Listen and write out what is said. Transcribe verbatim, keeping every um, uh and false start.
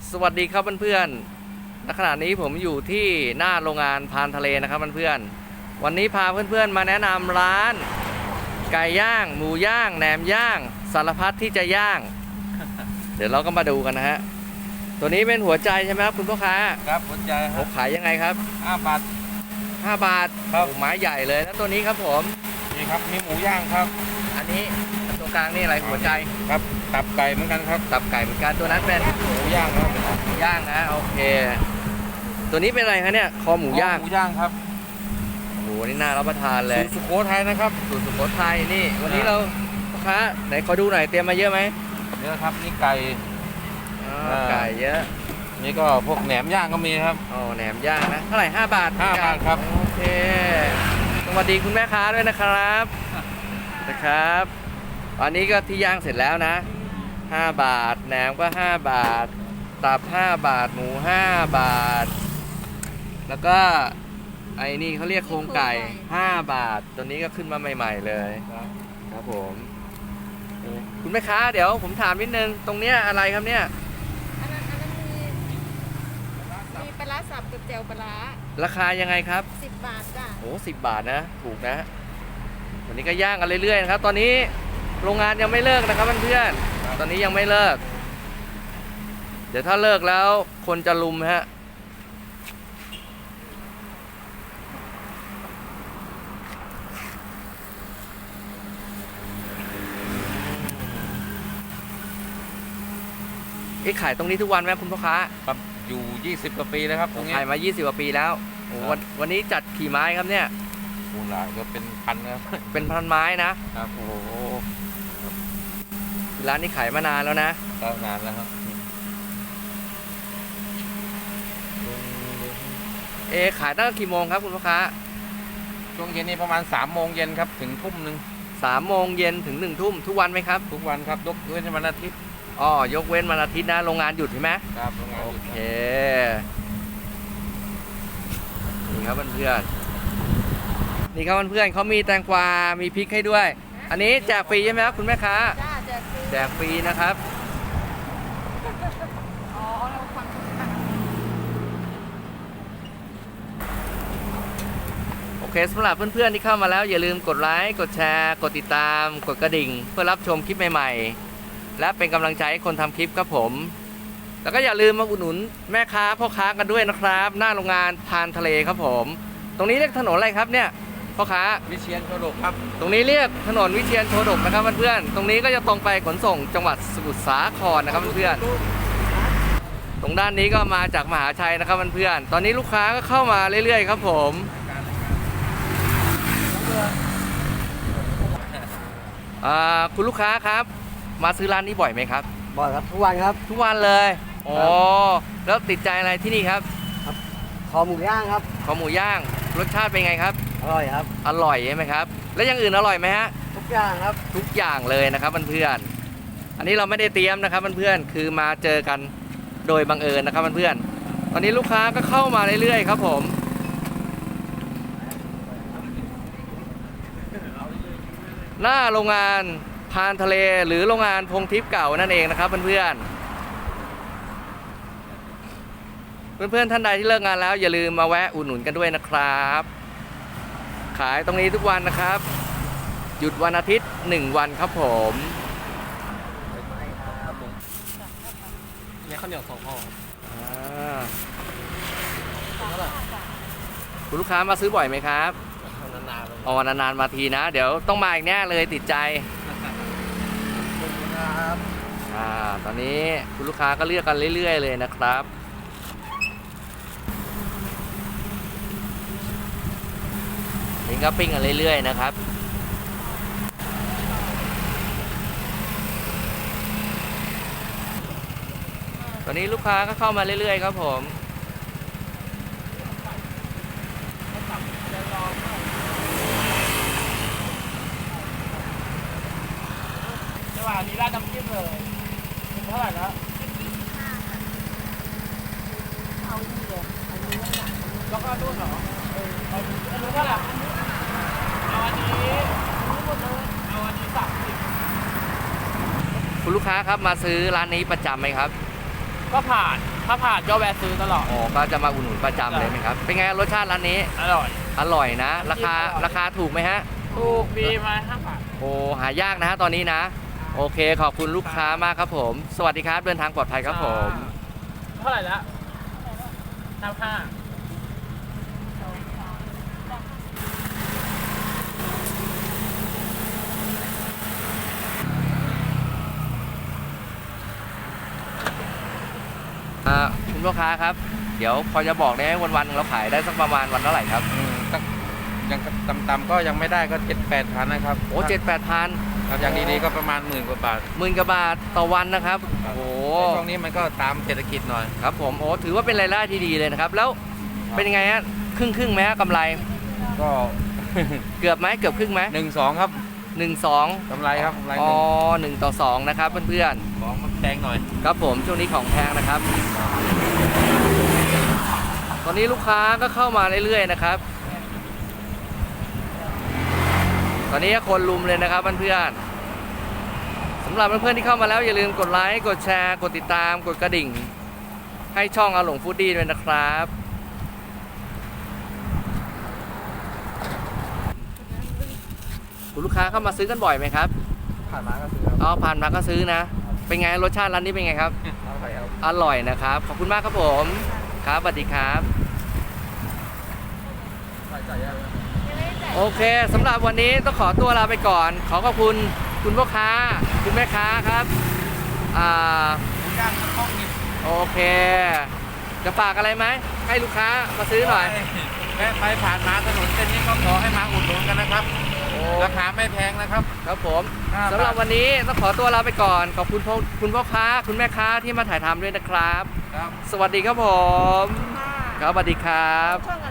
สวัสดีครับเพื่อนๆณขณะนี้ผมอยู่ที่หน้าโรงงานพานทะเลนะครับเพื่อนๆวันนี้พาเพื่อนๆมาแนะนำร้านไก่ย่างหมูย่างแหนมย่างสารพัดที่จะย่าง เดี๋ยวเราก็มาดูกันนะฮะตัวนี้เป็นหัวใจใช่ไหมครับคุณพ่อค้าครับหัวใจครับขายยังไงครับห้าบาทห้าบาทครับไม้ใหญ่เลยแล้วตัวนี้ครับผมนี่ครับมีหมูย่างครับอันนี้ตรงกลางนี่อะไรหัวใจครับตับไก่เหมือนกันครับตับไก่เหมือนกันตัวนั้นเป็นหมูย่างครับหมูย่างนะโอเคตัวนี้เป็นอะไรคะเนี่ยคอหมูย่างหมูย่างครับโอ้โหนี่น่ารับประทานเลยสูตรสุโขทัยนะครับสูตรสุโขทัยนี่วันนี้เราพ่อค้าไหนขอดูหน่อยเตรียมมาเยอะไหมเยอะครับนี่ไก่ไก่เยอะนี่ก็พวกแหนมย่างก็มีครับอ๋อแหนมย่างนะเท่าไหร่ห้าบาทห้าบาทครับโอเคสวัสดีคุณแม่ค้าด้วยนะครับนะครับอันนี้ก็ที่ย่างเสร็จแล้วนะห้าบาทแหนมก็ห้าบาทตับห้าบาทหมูห้าบาทแล้วก็ไอ้นี่เขาเรียกโครงไก่ห้าบาทตัวนี้ก็ขึ้นมาใหม่ๆเลยครับผมคุณแม่ค้าเดี๋ยวผมถามนิดนึงตรงเนี้ยอะไรครับเนี่ยอันนั้นอันนั้นมีมีปลาร้าสับกับแจ่วปลาร้าราคายังไงครับสิบบาทจ้ะโอ้สิบบาทนะถูกนะวันนี้ก็ย่างกันเรื่อยๆนะครับตอนนี้โรงงานยังไม่เลิกนะครับเพื่อนๆตอนนี้ยังไม่เลิกเดี๋ยวถ้าเลิกแล้วคนจะลุมฮะขายตรงนี้ทุกวันไหมคุณพ่อค้าครับอยู่ยี่สิบกว่าปีแล้วครับตรงนี้ขายมายี่สิบกว่าปีแล้วโอ้วันวันนี้จัดกี่ไม้ครับเนี่ยโอ้หลายก็เป็นพันครับเป็นพันไม้นะครับโอ้ร้านนี้ขายมานานแล้วนะก็นานแล้วครับเอขายตั้งกี่โมงครับคุณพ่อค้าช่วงเย็นนี้ประมาณสามโมงเย็นครับถึงทุ่มหนึ่งสามโมงเย็นถึงหนึ่งทุ่มทุกวันไหมครับทุกวันครับยกเว้นวันอาทิตย์อ๋อยกเว้นวันอาทิตย์นะโรงงานหยุดใช่ไหมครับโรงงานหยุดโอเคนี่ครับเพื่อนๆนี่ครับเพื่อนๆเขามีแตงกวามีพริกให้ด้วยอันนี้แจกฟรีใช่ไหมครับคุณแม่ค้าจ้าแจกฟรีแจกฟรีนะครับอ๋อเราฟังโอเคสำหรับเพื่อนๆที่เข้ามาแล้วอย่าลืมกดไลค์กดแชร์กดติดตามกดกระดิ่งเพื่อรับชมคลิปใหม่ๆและเป็นกำลังใจให้คนทำคลิปครับผมแล้วก็อย่าลืมมาอุดหนุนแม่ค้าพ่อค้ากันด้วยนะครับหน้าโรงงานพานทะเลครับผมตรงนี้เรียกถนนอะไรครับเนี่ยพ่อค้าวิเชียรโชดกครับตรงนี้เรียกถนนวิเชียรโชดกนะครับเพื่อนๆตรงนี้ก็จะตรงไปขนส่งจังหวัดสมุทรสาครนะครับเพื่อนๆตรงด้านนี้ก็มาจากมหาชัยนะครับเพื่อนๆตอนนี้ลูกค้าก็เข้ามาเรื่อยๆครับผมคุณลูกค้าครับมาซื้อร้านนี้บ่อยไหมครับบ่อยครับทุกวันครับทุกวันเลยอ๋อแล้วติดใจอะไรที่นี่ครับครับคอหมูย่างครับคอหมูย่างรสชาติเป็นไงครับอร่อยครับอร่อยใช่ไหมครับแล้วอย่างอื่นอร่อยไหมฮะทุกอย่างครับทุกอย่างเลยนะครับเพื่อนๆอันนี้เราไม่ได้เตรียมนะครับเพื่อนๆคือมาเจอกันโดยบังเอิญนะครับเพื่อนๆตอนนี้ลูกค้าก็เข้ามาเรื่อยๆครับผมหน้าโรงงานพานทะเลหรือโรงงานพงทิพย์เก่านั่นเองนะครับเพื่อนๆเพื่อนๆท่านใดที่เลิกงานแล้วอย่าลืมมาแวะอุดหนุนกันด้วยนะครับขายตรงนี้ทุกวันนะครับหยุดวันอาทิตย์หนึ่งวันครับผมนี่ข้าวเหนียวสองห่อคุณลูกค้ามาซื้อบ่อยไหมครับนานๆอ๋อนานๆมาทีนะเดี๋ยวต้องมาอีกแน่เลยติดใจอ่าตอนนี้คุณลูกค้าก็เลือกกันเรื่อยๆเลยนะครับนี่ก็ปิ้งกันเรื่อยๆนะครับตอนนี้ลูกค้าก็เข้ามาเรื่อยๆครับผมอันนี้ราดน้ำจิ้มเลยเป็นเท่าไหร่แล้วเอานี่เลยอันนี้แล้วก็นู่นเหรอเอออันนี้เท่าไหร่เอาอันนี้หมดเลยเอาอันนี้สามสิบคุณลูกค้าครับมาซื้อร้านนี้ประจำไหมครับก็ผ่านถ้าผ่านก็แวะซื้อตลอดอ๋อก็จะมาอุดหนุนประจำเลยไหมครับ เป็นไงรสชาติร้านนี้อร่อยอร่อยนะ ราคาอร่อยราคาถูกไหมฮะถูกดีมาห้าบาทโอ้หายากนะฮะตอนนี้นะ โอเคขอบคุณลูกค้ามากครับผม สวัสดีครับ เดินทางปลอดภัยครับผมเท่าไหร่แล้วห้าห้าอ่าคุณพ่อค้าครับ เดี๋ยวพอจะบอกได้ไหมวันๆเราขายได้สักประมาณวันเท่าไหร่ครับอืมสักยังต่ำๆก็ยังไม่ได้ก็เจ็ดแปดพันนะครับโอ้เจ็ดแปดพันครับอย่างดีๆก็ประมาณหมื่นกว่าบาทหมื่นกว่าบาทต่อวันนะครับ โอ้โหในช่วงนี้มันก็ตามเศรษฐกิจหน่อยครับผมโอ้ถือว่าเป็นรายได้ที่ดีเลยนะครับ แล้วเป็นยังไงฮะครึ่งครึ่งๆไหมฮะกำไรก็เกือบไหมเกือบครึ่งไหมหนึ่งสองครับหนึ่งสองกำไรครับกำไรหอ๋อนึ่งหนึ่งต่อสองนะครับเพื่อนของมันแพงหน่อยๆครับผมช่วงนี้ของแพงนะครับ ตอนนี้ลูกค้าก็เข้ามาเรื่อยๆนะครับ ตอนนี้คนลุมเลยนะครับเพื่อนๆสำหรับเพื่อนๆที่เข้ามาแล้วอย่าลืมกดไลค์กดแชร์กดติดตามกดกระดิ่ง ให้ช่องอาหลงฟู้ดดี้ด้วยนะครับคุณลูกค้าเข้ามาซื้อกันบ่อยไหมครับผ่านมาก็ซื้อครับอ๋อผ่านมาก็ซื้อนะ เป็นไงรสชาติร้านนี้เป็นไงครับเอาไปครับอร่อยนะครับ ขอบคุณมากครับผมครับสวัสดีครับใส่ใส่ยังโอเคสำหรับวันนี้ต้องขอตัวลาไปก่อน ขอขอบคุณคุณพ่อค้า คุณแม่ค้าครับอ่าหมูย่างข้องนิดโอเค จะฝากอะไรไหมให้ลูกค้ามาซื้อหน่อยแวะไปผ่านมาถนนเส้นนี้ก็ขอให้มาอุดหนุนกันนะครับโอ้ราคาไม่แพงนะครับครับผมห้าบาทสำหรับวันนี้ต้องขอตัวลาไปก่อน ขอบคุณพ่อคุณพ่อค้า คุณแม่ค้าที่มาถ่ายทำด้วยนะครับครับสวัสดีครับผมค่ะครับสวัสดีครับช่อง